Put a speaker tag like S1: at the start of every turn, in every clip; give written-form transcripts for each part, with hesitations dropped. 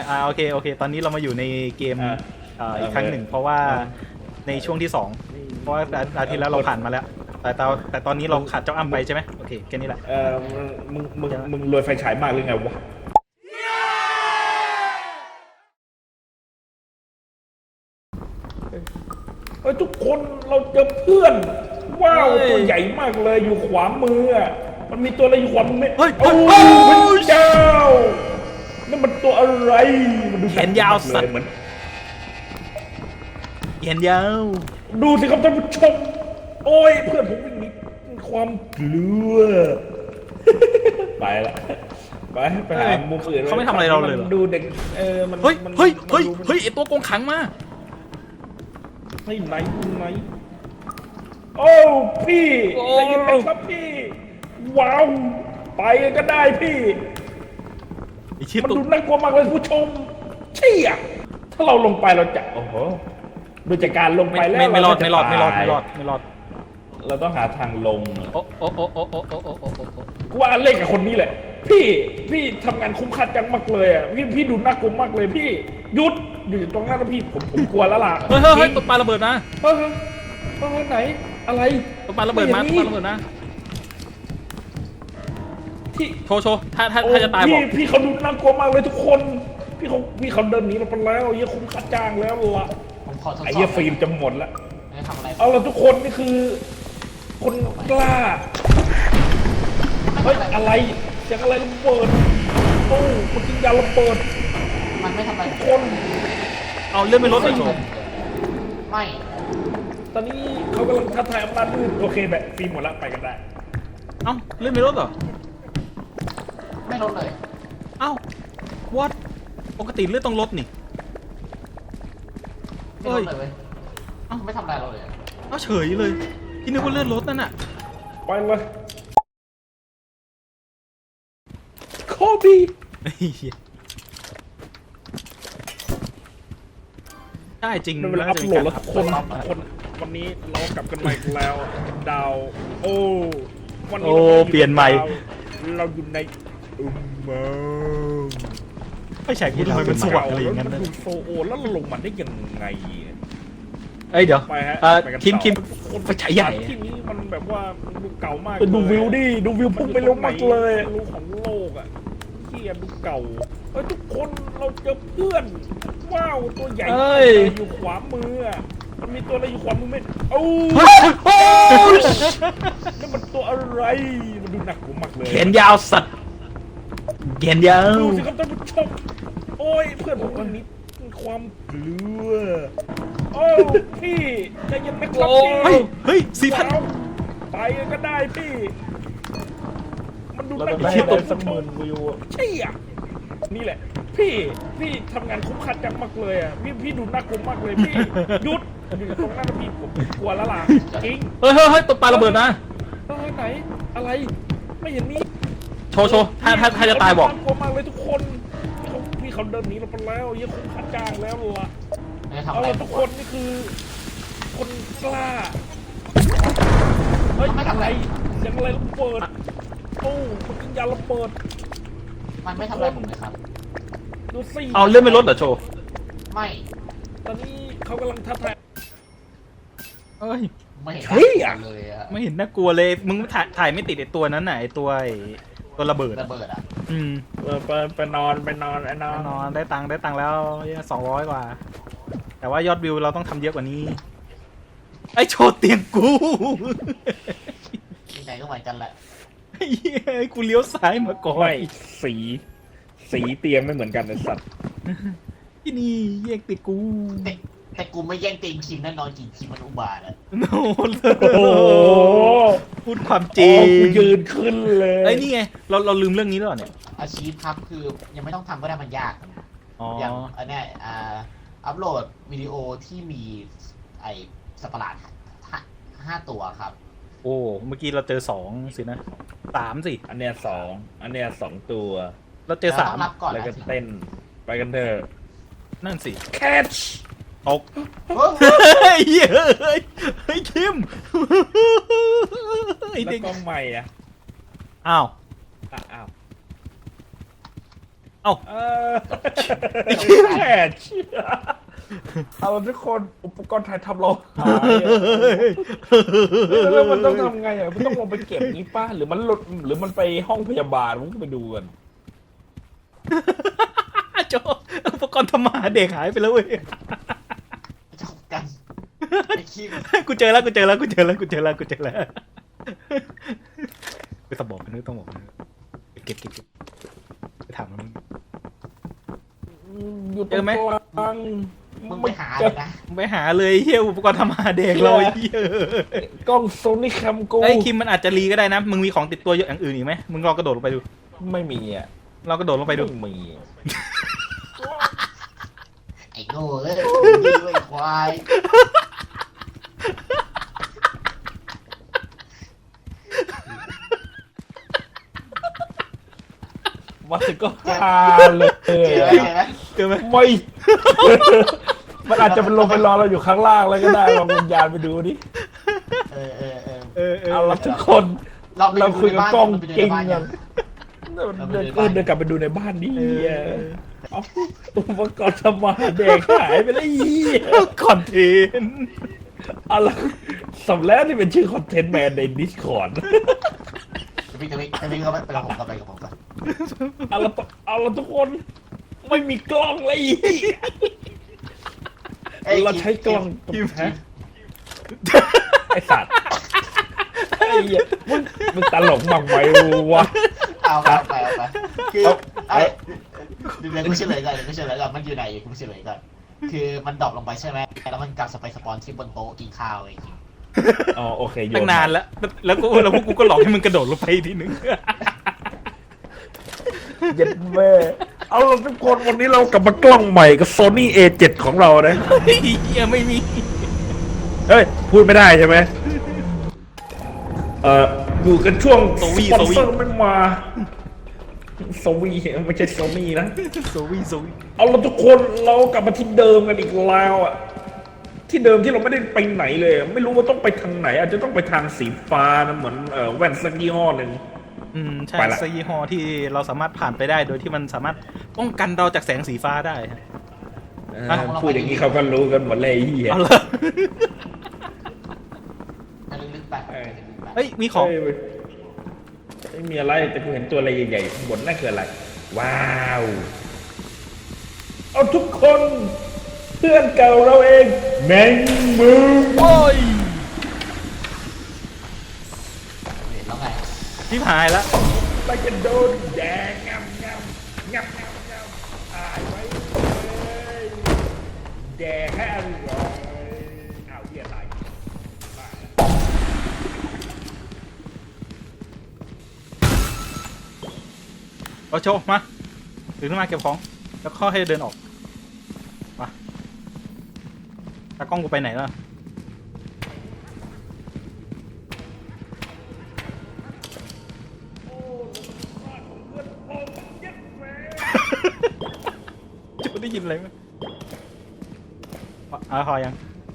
S1: โอเคโอเคตอนนี้เรามาอยู่ในเกมอีกครั้งหนึ่งเพราะว่าในช่วงที่2เพราะว่าอาทิตย์แล้วเราผ่านมาแล้วแต่ตอนนี้เราขาดเจ้าอ้ำไปใช่ไหมโอเคแค่นี้แหละ
S2: มึงรวยไฟฉายมากหรือไงวะทุกคนเราเจอเพื่อนว้าวตัวใหญ่มากเลยอยู่ขวามือมันมีตัวอะไรอยู่ขวามือไหมโอ้พระเจ้านั่นมันตัวอะไรมันดู
S1: แขนยาวสัตว์
S2: เหมือน
S1: แขนยาว
S2: ดูสิครับท่านผู้ชมโอ้ยเพื่อนผมวิ่งหนีความกลัวไปละไปหามุมอื่น
S1: เขาไม่ทำอะไรเราเลย
S2: ดูเด็กมัน
S1: เฮ้ยไอตัวโกงขังมา
S2: ไหนโอ้พี่ใจเย็นๆครับพี่ว้าวไปก็ได้พี่มันดูน่ากลัวมากเลยผู้ชมเชี่ยถ้าเราลงไปเราจะโอ้โหโดยจากการลงไปแล้ว
S1: ไม่รอด
S2: เราต้องหาทางลง
S1: โอ้
S2: กูว่าเล่นกับคนนี้แหละพี่ทำงานคุ้มค่าจังมากเลยอ่ะพี่ดูน่ากลัวมากเลยพี่หยุดอยู่ตรงนั้นนะพี่ผมกลัวแล้วล่ะ
S1: เฮ้ยตกปลาระเบิดนะ
S2: ไหนอะไร
S1: ตกปลาระเบิดนะที่โชว์ถ้าจะตายบอก
S2: พี่เขาดูน่ากลัวมากเลยทุกคนพี่เขาเดินหนีเราไปแล้วเยี่ยคุ้มค่าจ้างแล้วล่ะไอ้เยี่ยฟิล์มจะหมดละเอาละทุกคนนี่คือคนกล้าเฮ้ยอะไรเสียงอะไรระเบิดโอ้คนกินยาระเบิด
S3: มันไม่ทำอะไร
S2: คน
S1: เอาเลื่อนไม่ลดเลยโชว์
S3: ไม่
S2: ตอนนี้เขากำลังท้าทายอำนาจมืดโอเคแบบฟิล์มหมดละไปกันได้
S1: เอ้าเลื่อนไม่ลดเหรอ
S3: ไม่ลดเลย
S1: เอ้าวัดปกติเลื่อนต้องลดนี่
S3: ไม่ลดเลยเอ้าไม่ทำอะไรเราเลย
S1: เอ้าเฉยเลยที่นึกว่าเลื่อนลดนั่นน่ะ
S2: ไปเลยโคบี้
S1: ได้จริง
S2: เวลาอัพโหลดแล้วคนวันนี้เรากลับกันใหม่แล้วดาวโอ้วันนี้
S1: เปลี่ยนใหม่
S2: เราอยู่ในเมือง
S1: ไม่ใช่กูทำไมมันสว่างอะไรอย่างนั้นนะ
S2: ดูโซโอแล้วเราลงมาได้ยังไง
S1: เดี๋ยวคิมไฟฉายใหญ่
S2: ที่นี้มันแบบว่าดูเก่ามากดูวิวดิดูวิวพุ่งไปลงมากเลยรูของโลกอ่ะที่ดูเก่าทุกคนเราเจอเพื่อนว้าวตัวใหญ่อยู่ขวามือมันมีตัวอะไรอยู่ขวามือไหมโอ้นี่มันตัวอะไรมันดูหนักกว่ามากเลย
S1: แขนยาวสัตว์แขนยาว
S2: ดูสิครับท่านผู้ชมโอ้ยเพื่อนผมวันนี้ความกลัวโอ้พี่ใจเย็นไหมครับพี่
S1: เฮ้ย4,000
S2: ไปก็ได้พี่มันดูน่ากลัวตกสักหมื่นวิวใช่อ่ะนี่แหละพี่ทำงานคุ้มค่าจังมากเลยอ่ะพี่ดูน่ากลัวมากเลยพี่หยุดอยู่ตรงนั้นพี่ผมกลัวแล้วล่ะจริง
S1: เฮ้ยตกปลาระเบิดนะ
S2: ไหนอะไรไม่เห็นนี่
S1: โชว์ถ้าจะตายบอก
S2: กลัวมากเลยทุกคนพี่เขาเดินหนีเราไปแล้วเยี่ยคุ้มค่าจ้างแล้วล่ะเอาละทุกคนนี่คือคนกล้าเฮ้ยอะไรเสียงอะไรระเบิดโอ้คนกินยาระเบิด
S3: มันไม่ทำอะไรผมเลยครับ
S2: ดูสิ
S1: เอาเลื่อนไม่ลดเหรอโชว์
S3: ไม่
S2: ตอนนี้เขากำลังท้าทาย
S3: ไม่เห็นเลยอะ
S1: ไม่เห็นน่ากลัวเลยมึงถ่ายไม่ติดไอตัวนั้นไหนตัวระเบิด
S3: อ่ะ
S2: ไปนอน
S1: ได้ตังค์แล้ว200 กว่าแต่ว่ายอดวิวเราต้องทำเยอะกว่านี้ไอโชว์เตียงกู
S3: ที่ไหนก็เหมือนกันแหละ
S1: ไอ้กูเลี้ยวซ้ายมาก่อน
S2: ไม่สีเตียงไม่เหมือนกันไอ้สัตว์
S1: ที่นี่แยกติดกู
S3: แต่กูไม่แย่งเตียงคิมแน่นอนจริงคิมมันอุบาทอ่ะ
S1: โอ้พูดความจริง
S2: กูยืนขึ้นเลย
S1: ไอ้นี่ไงเราลืมเรื่องนี้แล้วเนี่ย
S3: อาชีพครับคือยังไม่ต้องทำก็ได้มันยากอย่างอันนี้อัพโหลดวิดีโอที่มีไอ้สัตว์ประหลาด5 ตัวครับ
S1: โอ้เมื่อกี้เราเจอ2สินะ3สิ
S2: อันเนี้ย2ตัว
S1: เราเจอ3
S2: แล้วก็เต้นไปกันเถอะ
S1: นั่นสิ
S2: catch
S1: ตกเฮ้ยคิม
S2: แล้วกล้องใหม่อ่ะ
S1: อ้าวเอ้า
S2: แม่เชื่อเอาทุกคนอุปกรณ์ถ่ายทำเราหายแล้วมันต้องทำไงอ่ะมันต้องลงไปเก็บนี้ป้าหรือมันหลุดหรือมันไปห้องพยาบาลมันก็ไปดูกัน
S1: โจอุปกรณ์ทำมาหาเด็กหายไปแล้วเว้ย
S3: จบกันไอ้ขี้ม
S1: กูเจอแล้วไปสบอกกันนึกต้องบอกกันเก็บไปถามมัน
S2: อยู่ตรงกลาง
S3: มึงไปหาเลยนะ
S1: ไปหาเลยเฮียอุปกรณ์ทำมาหาเด็กเราไอ้เฮีย
S2: กล้องโซนี่แคมกู
S1: ไอ้คิมมันอาจจะรีก็ได้นะมึงมีของติดตัวอย่างอื่นอีกไหมมึงลองกระโดดลงไปดู
S2: ไม่มีอ่ะ
S1: เรากระโดดลงไปดู
S2: ไม่มี
S3: ไอ้โง่เอ้ยดีเว้ยควาย
S2: มาถึงก็ฮาเลย
S3: เจอไหม
S2: ไม่ มันอาจจะเป็นลงไปรอเราอยู่ข้างล่างแล้วก็ได้ลองวิญญาณไปดูดิเอาละทุกคนเราคุยกับกล้องจริงกันเดินกลับไปดูในบ้านนี่เอาอุปกรณ์ทำมาหาเด็กหายไปแล้ว
S1: คอนเทนต์
S2: เอาละสำแล้วนี่เป็นชื่อคอนเทนต์แมนใน Discord
S3: จะวิ่งเข้าไปกับผมก่อน
S2: เอาละทุกคนไม่มีกล้องเลยเราใช้กล้องไอสัตว์ไอ้เหี้ยมึงตลกมากไหมวะ
S3: เอาไปคือเดี๋ยวกูเฉลยก่อนมันอยู่ไหนกูเฉลยก่อนคือมันดรอปลงไปใช่ไหมแล้วมันกลับไปสปอนที่บนโต๊ะกินข้าวไอ้ที
S2: อ๋อโอเคโย
S1: ตั้งนานแล้วพวกกูก็หลอกให้มึงกระโดดลงไปทีนึง
S2: เย็ดแม่เอาละทุกคนวันนี้เรากลับมากล้องใหม่กับ Sony A7 ของเรานะ
S1: เฮียไม่มี
S2: เฮ้ยพูดไม่ได้ใช่ไหมอยู่กันช่วงสปอนเซอร์ไม่มาโซวีไม่ใช่โซมี่นะ
S1: โซวี
S2: เอาละทุกคนเรากลับมาที่เดิมกันอีกแล้วอ่ะที่เดิมที่เราไม่ได้ไปไหนเลยไม่รู้ว่าต้องไปทางไหน อาจจะต้องไปทางสีฟ้านะเหมือนแว่นสักยี่ห้อหนึ่ง
S1: ใช่ซีฮอที่เราสามารถผ่านไปได้โดยที่มันสามารถป้องกันเราจากแสงสีฟ้าได้
S2: พูดอย่างนี้เขาก็รู้กันหมดเลยเฮีย
S1: เอาละ
S3: ลึกๆไป
S1: เฮ้ยมีของ
S2: ไม่มีอะไรแต่กูเห็นตัวอะไรใหญ่ๆข้างบนนั่นคืออะไรว้าวเอาทุกคนเพื่อนเก่าเราเองแมงมุม
S1: โอ้ย
S3: แล้วไง
S1: ที่หายแล้ว
S2: ไปกันโดนแดงงับตายไว้เลยแดงให้อร่อยเอาเหี้ยตาย
S1: เอาโชว์มาถึงขึ้นมาเก็บของแล้วข้อให้เดินออกมาตากล้องกูไปไหนล่ะจูได้ยินอะไรไหมพอยัง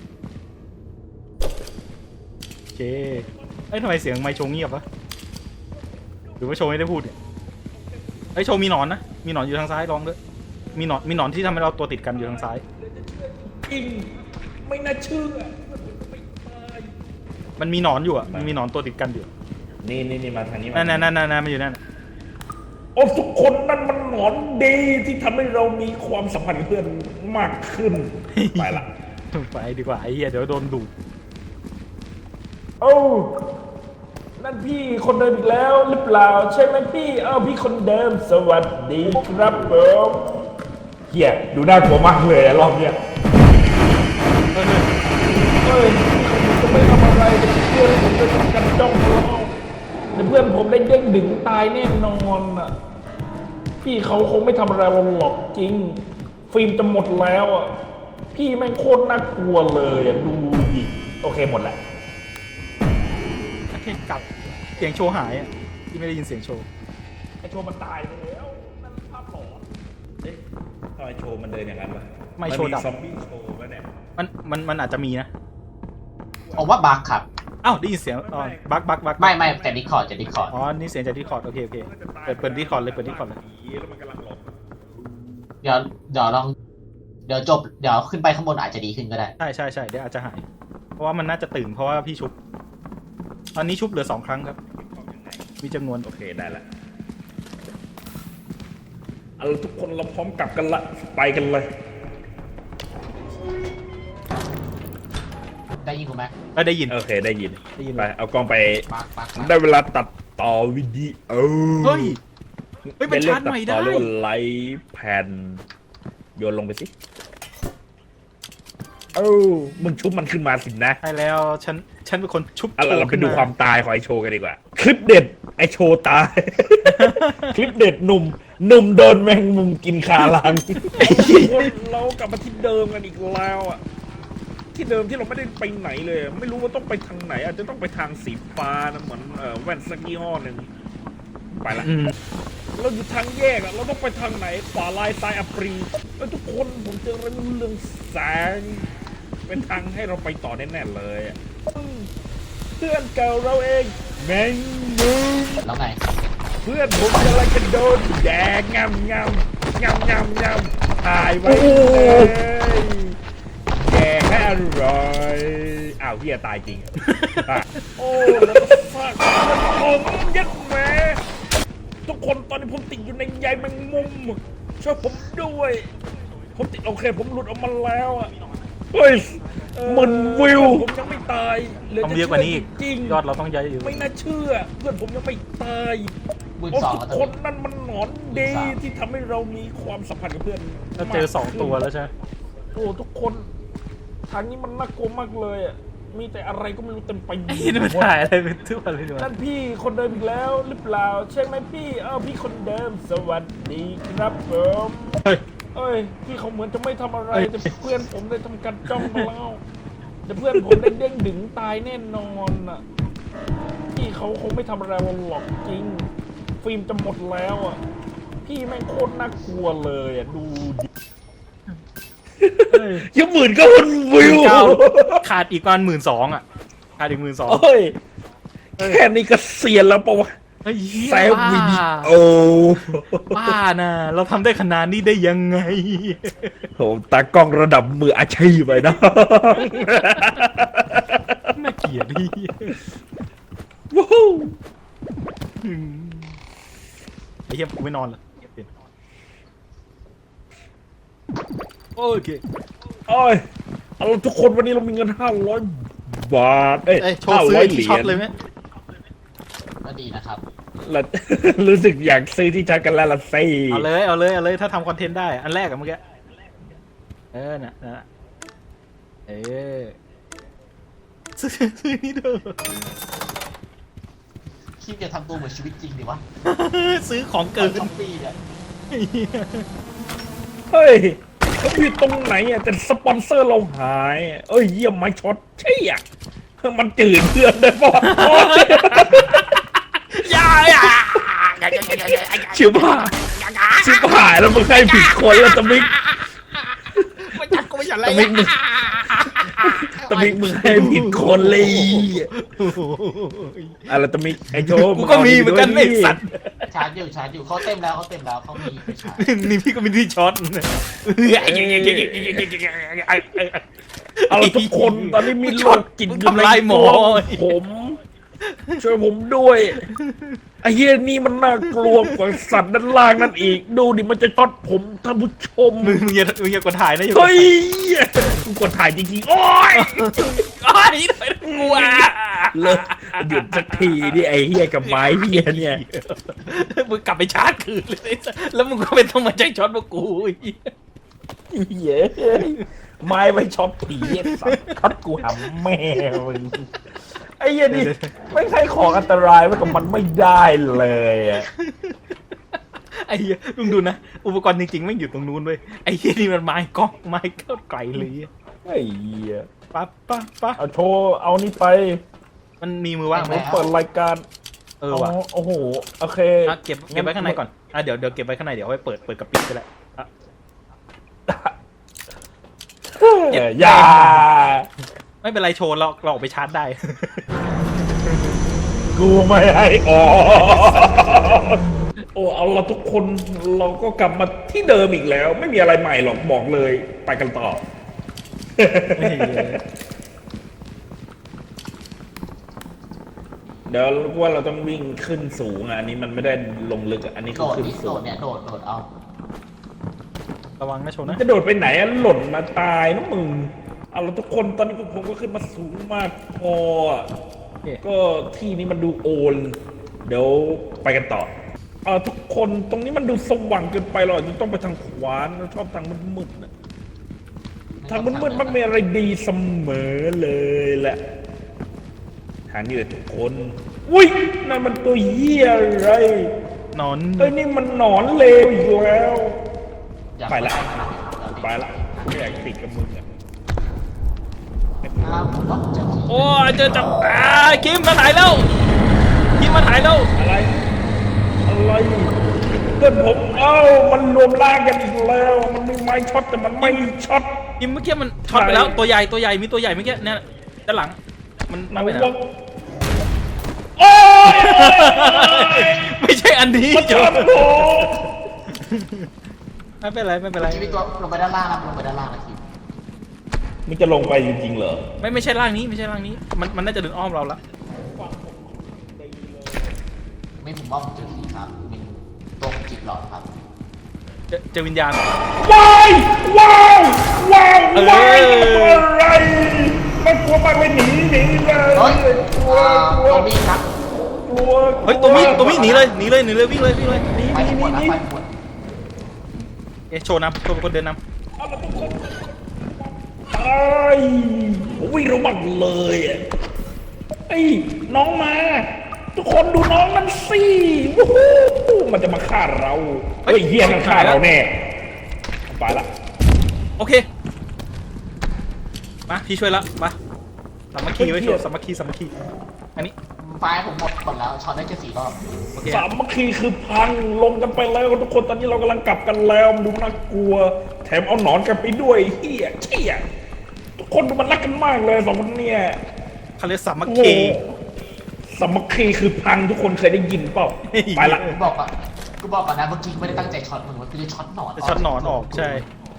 S1: โอเคเอ้ยทำไมเสียงไมค์โชว์เงียบวะหรือว่าโชว์ไม่ได้พูดเนี่ยไอ้โชว์มีหนอนนะมีหนอนอยู่ทางซ้ายลองด้วยมีหนอนที่ทำให้เราตัวติดกันอยู่ทางซ้าย
S2: จริงไม่น่าเชื่อ
S1: มันมีหนอนอยู่อ่ะมันมีหนอนตัวติดกันอยู่
S2: นี่มาทางนี้
S1: นั่นมันอยู่นั่น
S2: โอ้ทุกคนนั่นมันหนอนดีที่ทำให้เรามีความสัมพันธ์เพื่อนมากขึ้น ไปละ
S1: ไปดีกว่าไอ้เหี้ยเดี๋ยวโดนดูด
S2: โอ้นั่นพี่คนเดิมอีกแล้วหรือเปล่าใช่ไหมพี่พี่คนเดิมสวัสดีครับผมเฮียดูน่ากลัวมากเลยรอบเนี้ยเฮ้ยผมจะไม่ทำอะไรแต่เพื่อนผมจะทำกันจ้องเราแต่เพื่อนผมได้เด้งดึงตายแน่นอนอ่ะพี่เขาคงไม่ทำอะไรเราหรอกจริงฟิล์มจะหมดแล้วอ่ะพี่แม่งโคตรน่ากลัวเลยอ่ะดูดิโอเคหมดแล้ว
S1: โอเคกลับเสียงโชว์หายอ่ะที่ไม่ได้ยินเสียงโชว์
S2: ไอโชว์มันตายไปแล้วนั่นภาพหลอนเอ๊ะทำไมโชว์มันเดินอย่างนั้นวะ
S1: ไม่โชว์ดับ
S2: ซอมบี้โชว์ป่ะเนี่ย
S1: มันอาจจะมีนะ
S3: ผมว่าบั๊กครับ
S1: อ้าวได้ยินเสียงบัก
S3: ไม่แต่ดิคอร์ด
S1: อ๋อนี่เสียงจากดิสคอร์ดโอเคเปิดดิสคอร์ดเลย
S2: ผีแล้วมันกำลังหลบ
S3: เดี๋ยวลองเดี๋ยวจบเดี๋ยวขึ้นไปข้างบนอาจจะดีขึ้นก็ได้
S1: ใช่เดี๋ยวอาจจะหาย เพราะว่ามันน่าจะตื่นเพราะว่าพี่ชุบ ตอนนี้ชุบเหลือ2 ครั้งครับ มีจำนวน
S2: โอเคได้ละเอาละทุกคนเราพร้อมกลับกันละไปกันเลย
S3: ได้ยินกูไหม
S1: ได้ยิน
S2: โอเคได้ยิน
S1: ได้ยิน
S2: ไปเอากล้องไป
S3: ปัก
S2: ได้เวลาตัดต่อวิดีโอ
S1: เฮ้ยเป็นชาร์จใหม่ได้
S2: เรียกว่าไลฟ์แผ่นโยนลงไปสิมึงชุบมันขึ้นมาสินะ
S1: ใช่แล้วฉันเป็นคนชุบ
S2: เอาล่ะเราไปดู
S1: ขึ้น
S2: ความตายของไอโชว์กันดีกว่า คลิปเด็ดไอโชว์ตาย คลิปเด็ดหนุ่มโดนแมงมุมกินคาลังเรากลับมาที่เดิมกันอีกแล้วอ่ะที่เดิมที่เราไม่ได้ไปไหนเลย ไม่รู้ว่าต้องไปทางไหน อาจจะต้องไปทางสีฟ้านะเหมือนแว่นสักยี่ห้อหนึ่งไปละ เราอยู่ทางแยกอะเราต้องไปทางไหนขวาลายซ้ายอัปรีแล้วทุกคนผมเจอเรื่องแสงเป็นทางให้เราไปต่อแน่ๆเลยอะเพื่อนเก่าเราเองแมงมุม
S3: แล้วไง
S2: เพื่อนผมกำลังจะโดนแดกงำถ่ายไว้เลยแดกให้อร่อยอ้าวเฮียตายจริงอะโอ้แล้วก็ฟาดผมยัดแหมทุกคนตอนนี้ผมติดอยู่ในใยแมงมุมช่วยผมด้วย ผมติดโอเคผมหลุดออกมาแล้วอ่ะเฮ้ยมันวิวผมยังไม่ตาย
S1: ต้องเยอะกว่านี้อีก
S2: จริง
S1: ยอดเราต้องเยอะอยู่
S2: ไม่น่าเชื่อ เพื่อนผมยังไม่ตาย
S3: 12,000
S2: โอ้ทุก
S3: แล้วตอน
S2: คน
S3: นี้
S2: นั่นมันหนอนดีที่ทำให้เรามีความสัมพันธ์กับเพื่อน
S1: เราเจอ2 ตัวแล้วใช่ไหม
S2: โอ้ทุกคนทางนี้มันน่ากลัวมากเลยอ่ะมีแต่อะไรก็ไม่รู้เต็มไปหมด
S1: นี่มันถ่ายอะไรเป็นทั่วเลยด้วย
S2: นั่นพี่คนเดิมอีกแล้วหรือเปล่าใช่ไหมพี่พี่คนเดิมสวัสดีครับผม
S1: เฮ้ย
S2: เอ้ยพี่เขาเหมือนจะไม่ทำอะไร
S1: เอ้ย
S2: แต่เพื่อนผมได้ทำการจ้องมาแล้วแต่เพื่อนผมได้เด้งดึงตายแน่นอนอ่ะพี่เขาคงไม่ทำอะไรเราหรอกจริง ฟิล์มจะหมดแล้วอ่ะพี่แม่งโคตรน่ากลัวเลยอ่ะดูดิ ยังหมื่นก็วนวิว
S1: ขาดอีกประมาณ12,000 อ่ะ ขาดอีก12,000
S2: เฮ้ยแค่นี้ก็เสียนแล้วปะวะ
S1: เฮ้ย
S2: แซววิดีโอ
S1: บ้านะเราทำได้ขนาดนี้ได้ยังไง
S2: โหตากล้องระดับมืออาชีพไปนะ
S1: น่าเกลียดดิ
S2: ว้าว
S1: ไอ้เหี้ยกูไม่นอนละโอเค
S2: โอ้ยเอาล่ะทุกคนวันนี้เรามีเงิน500 บาท
S1: เอ้ยโชว์ซื้อ
S2: 500
S1: ที่ช็อตเลยไหม
S3: ก็ดีนะครับ
S2: แล้ว รู้สึกอยากซื้อที่ชัดกันแล้วล่ะสิ
S1: เอาเลย ถ้าทำคอนเทนต์ได้ อันแรกอะเมื่อกี้ น่ะซื้อนี่เด้อ
S3: คิดจะทำตัวเหมือนชีวิตจริงดิวะ
S1: ซื้อของเกิน
S3: ช้อปปี้เนี่ย
S2: เฮ้ยเขาผิดตรงไหนอ่ะแต่สปอนเซอร์เราหายเอ้ยเยี่ยมไม้ช็อตใช่อ่ะมันจืดเพื่อนได้ปะ ชิบหายแล้วมึงให้ผิดคนแล้วตะมิก
S1: ไม่จัดกูไม่จัดอะไร
S2: ตะมิกมึงให้ผิดคนเลยอะไรตะมิกไอโจ
S1: กูก็มีเหมือนกันไอ้สัตว์
S3: ชาร์จอยู่เขาเต็มแล้วเขามีไปชาร์จ
S1: นี่พี่ก็มีที่ช็อต
S2: เอาละทุกคนตอนนี้มีโรคจิตอยู่
S1: ทำลายหมอ
S2: ผมช่วยผมด้วยไอ้เหี้ยนี่มันน่ากลัวกว่าสัตว์ด้านล่างนั่นอีกดูดิมันจะช็อตผมท่านผู้ชม
S1: มึงอย่ากดถ่ายนะ
S2: เฮ้ยกูกดถ่ายจริงๆ โอ๊ย
S1: อ้ยหน่อยกลัว
S2: เลิกหยุดสักทีดิไอ้เฮียกับไม้เฮียเนี่ย
S1: มึงกลับไปชาร์จคืนเลยแล้วมึงก็ไม่ต้องมาใจช็อตพวกกู
S2: เย้ไม้ไปช็อตผีสัตว์ช็อตกูหำแม่มึงไอ้เฮียนี่ไม่ใช่ของอันตรายไว้กับมันไม่ได้เลยอะ
S1: ไอ้เหี้ยลุงดูนะอุปกรณ์จริงๆไม่อยู่ตรงนู้นเว้ยไอ้เหี้ยนี่มันไม้กล้องไม้เข้าไกลเลย
S2: ไอ้เฮีย
S1: ปั๊บ
S2: เอาโชว์เอานี่ไป
S1: มันมีมือว่างไหม
S2: เปิดรายการ
S1: ว่ะ
S2: โอ้โหโอเค
S1: เก็บไว้ข้างในก่อนเดี๋ยวเก็บไว้ข้างในเดี๋ยวเอาไว้เปิดกับปิดก็ได้
S2: อย่า
S1: ไม่เป็นไรโชว์เราออกไปชาร์จได้
S2: กูไม่ให้ออกโอ้เอาละทุกคนเราก็กลับมาที่เดิมอีกแล้ว ไม่มีอะไรใหม่หรอกบอกเลยไปกันต่อ เดี๋ยวว่าเราต้องวิ่งขึ้นสูงอ่ะอันนี้มันไม่ได้ลงลึกอ่ะอันนี้
S3: โด
S2: คือ
S3: ด
S2: ขึ้น
S3: นี่
S2: สู
S3: โด
S2: ง
S3: ดเนี่ยโดดเอา
S1: ระวังนะโชว์นะ
S2: จะโดดไปไหนอ่ะหล่นมาตายนะมึงเอาละทุกคนตอนนี้ผมก็ขึ้นมาสูงมากพออ่ะ
S1: โอเค
S2: ก็ที่นี้มันดูโอน เดี๋ยวไปกันต่อทุกคนตรงนี้มันดูสว่างเกินไปเราอาจจะต้องไปทางขวาเราชอบทางมืดๆนะทางมืดๆมักมีอะไรดีเสมอเลยแหละทางนี้เลยทุกคนอุ้ยนั่นมันตัวเหี้ยอะไร
S1: นอน
S2: เอ้ยนี่มันหนอนเลวอีกแล้ว
S3: อยาก
S2: ไปละ
S3: ไป
S2: ไปละไม่อยากติดกับมึงอ่ะ
S3: ผมว่าจะ
S1: โอ้ยเจอจับคิมมาถ่ายแล้วคิมมาถ่ายแล้ว
S2: อะไรเพื่อนผมมันรวมร่างกันอีกแล้ว มันมีไม้ช็อตแต่มันไม่ช็อต
S1: คิมเมื่อกี้มันช็อตไปแล้วตัวใหญ่มีตัวใหญ่เมื่อกี้เนี่ยด้านหลังมัน
S2: ไหน
S1: ไปไหน
S2: วะโอ้ย
S1: ไม่ใช่อันนี้
S2: มัน
S1: จ
S2: ช็อตผม
S1: ไม่เป็นไรไม่เป็นไร
S3: ชีวิตตัวลงไปด้านล่างนะลงไปด้านล่างนะคิม
S2: มึงจะลงไปจริงๆเหรอ
S1: ไม่ใช่ร่างนี้ไม่ใช่ร่างนี้มันน่าจะเดินอ้อมเราละ
S3: ไม่ผมว่าผมเจอผีครับมีตัวจิตหลอดครับ
S1: เจอวิญญาณ
S2: ว้ายว้าวว้าว
S1: เออ
S2: ว้ายอะไรมันกลัวมากเลยหนีเลย
S3: เฮ้ย
S2: กลัวกลัว
S3: ตัวมีครับ
S2: กลัว
S1: เฮ้ยตัวมีหนีเลยวิ่งเลยวิ่งเลย
S3: ไปทั้งหมดนะไปทั้งหมด
S1: โชว์นำโชว์เป็นคนเดินน
S2: เอาละทุกคนไอ้วิ่งระวังเลยอ่ะไอ้น้องมา ทุกคนดูน้องมันสิวู้ฮู้มันจะมาฆ่าเราเฮ้ยเฮียมันฆ่าเราแน่ไปละ
S1: ำโอเคมาพี่ช่วยละมาสามัคคีไว้โชว์สามัคคีอันนี้
S3: ไฟผมหมดแล้วช็อตได้แค่4 รอบ
S1: โอเค
S2: สามัคคีคือพังลงกันไปแล้วทุกคนตอนนี้เรากำลังกลับกันแล้วมันดูน่ากลัว แถมเอาหนอนกันไปด้วยเฮียเชี่ยทุกคนดูมันรักกันมากเลยสองคนเนี่ย
S1: เขาเรียกสามัค
S2: โอ้
S1: คี
S2: สามัคคีคือพังทุกคนเคยได้ยินเปล่าไปละ
S3: กูบอกก่อนนะเมื่อกี้ไม่ได้ตั้งใจช็อตมึงมันคือช็อตหนอน
S1: จะช็อตหนอนออกใช่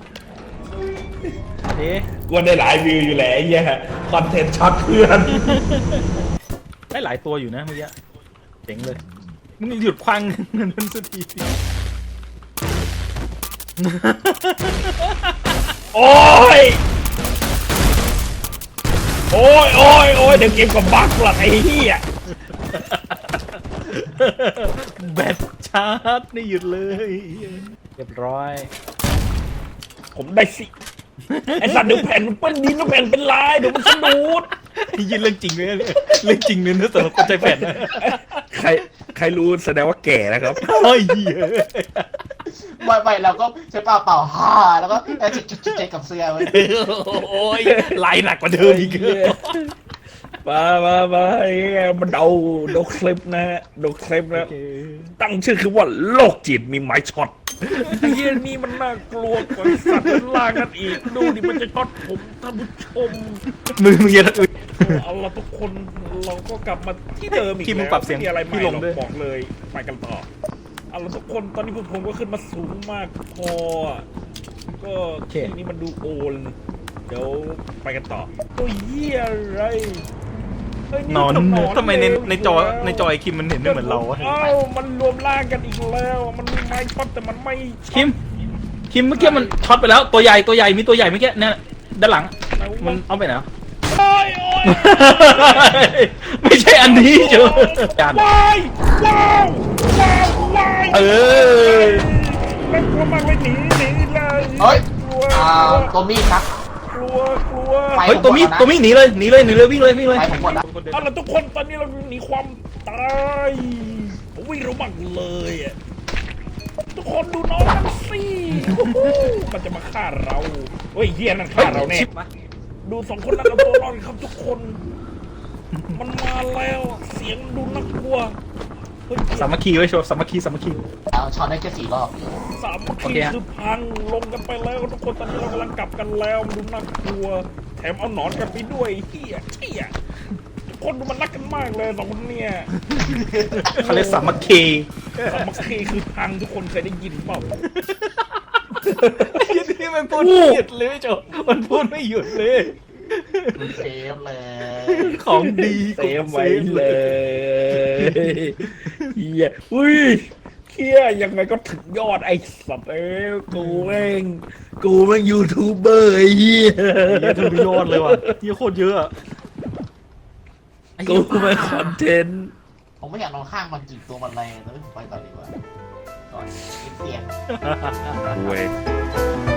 S1: เอ๊ะ
S2: กวนได้หลายวิวอยู่แหละไอ้เหี้ยคอนเทนต์ช็อตเพื่อน
S1: ได้หลายตัวอยู่นะเมื่อกี้เจ๋งเลยมึงหยุดควังเงินมันสักที
S2: โอ้ยโอ้ยโอ้ยโอ้ยเดี๋ยวเกมกับบักหลักไอ้เหี้ย
S1: แบตชาร์จนี่หยุดเลยเรียบร้อย
S2: ผมได้สิไอ้สัตว์เดี๋ยวแผ่นมันเปิ้ลดินแล้วแผ่นเป็นลายเดี๋ยวมันสะดุด
S1: ยินเรื่องจริงเลยเนี่ยเรื่องจริงเลยนะสำหรับคนใจแผ่นนะ
S2: ใครรู้แสดงว่าแก่นะครับ
S1: เฮ้ยเหี้ย
S3: ไม่เราก็ใช้เปล่าฮ่าแล้วก็จุดกับเสื้อไว้
S1: โอ้ยลายหนักกว่าเดิมอีก
S2: มาไอ้เหี้ยมันเดาคลิปนะดูคลิปนะ
S1: โอเค
S2: ตั้งชื่อคือว่าโรคจิตมีไม้ช็อตไอ้เหี้ยนี่มันน่ากลัวกว่าสัตว์เป็นล่างกันอีกดูดิมันจะช็อตผมท่านผู้ชม
S1: มึงอย่าอึด
S2: เอาละทุกคนเราก็กลับมาที่เดิมอีก
S1: ที่มึง
S2: แล้ว
S1: ปรับเสียง
S2: ไม่มีอะไรใหม่
S1: พี่ลง
S2: หรอก
S1: ด้วย
S2: บอกเลยไปกันต่อเอาละทุกคนตอนนี้ผมก็ขึ้นมาสูงมากพอก็ที่นี้มันดูโอนเดี๋ยวไปกันต่อตัวเหี้ยอะไรเฮ้ย
S1: นอน
S2: มั
S1: ทำไมใน
S2: เลว
S1: ในจอไอคิมมันเห็นไม่เหมือนเราวะ
S2: มันรวมร่างกันอีกแล้ว มันมีไม้ช็อตแต่มันไม่ช็อต
S1: คิมเมื่อกี้มันช็อตไปแล้วตัวใหญ่มีตัวใหญ่เมื่อกี้เนี่ยด้านหลังมันเอาไปไหนวะ
S2: โอ้ยโอ้ย
S1: ไม่ใช่อันนี้เจ้าจาน
S2: ว้ายว้าวว้าวว้าย
S1: เออ
S2: น่ากลัวมากเลยหนีเลย
S3: เฮ้ย
S2: กลัว
S3: ตัวมีครับ
S2: กลัว
S3: ไป
S1: เฮ้ยตัวมีหนีเลยวิ่งเลย
S3: ไปผมหมดแล้ว
S2: เอาล่ะทุกคนตอนนี้เราหนีความตายวิ่งระวังเลยอะทุกคนดูน้องมันสิโอ้โหมันจะมาฆ่าเราเฮ้ยเฮียนั่นฆ่าเราแน่
S1: ชิปมา
S2: ดูสองคนนั้นเอาตัวรอดครับทุกคน มันมาแล้วเสียงดูน่ากลัวเฮ้ย
S1: สามัคคีไว้โชว์สามัคคี
S3: ช็อตได้แค่4 รอบ
S2: สาม
S1: โอ
S2: คี
S1: เคฮะ
S2: คือพังลงกันไปแล้วทุกคนตอนนี้เรากำลังกลับกันแล้วมันดูน่ากลัว แถมเอาหนอนกันไปด้วยเฮียทุกคนดูมันรักกันมากเลยสองคนเนี่ย
S1: เขาเรียกสามัคคี
S2: สามัคคีคือพังทุกคนเคยได้ยินเปล่า
S1: ไอ้ที่มันพูดไม่หยุดเลยไม่โจมันพูดไม่หยุดเลย
S3: คุณเซฟเลย
S1: ของดี
S2: เซฟไว้เลยเฮียอุ้ยเฮียยังไงก็ถึงยอดไอ้สัตว์กูแม่งยูทูบเบอร์ไอ้เฮีย
S1: เยอะถึงยอดเลยว่ะที่โคตรเยอะอะ
S2: กูแม่งคอนเทนต์
S3: ผมไม่อยากนอนข้างมันจิกตัวมันแรงแต่ไม่ผมไปก่อนดีกว่าก่อนเสียง
S2: เว้ย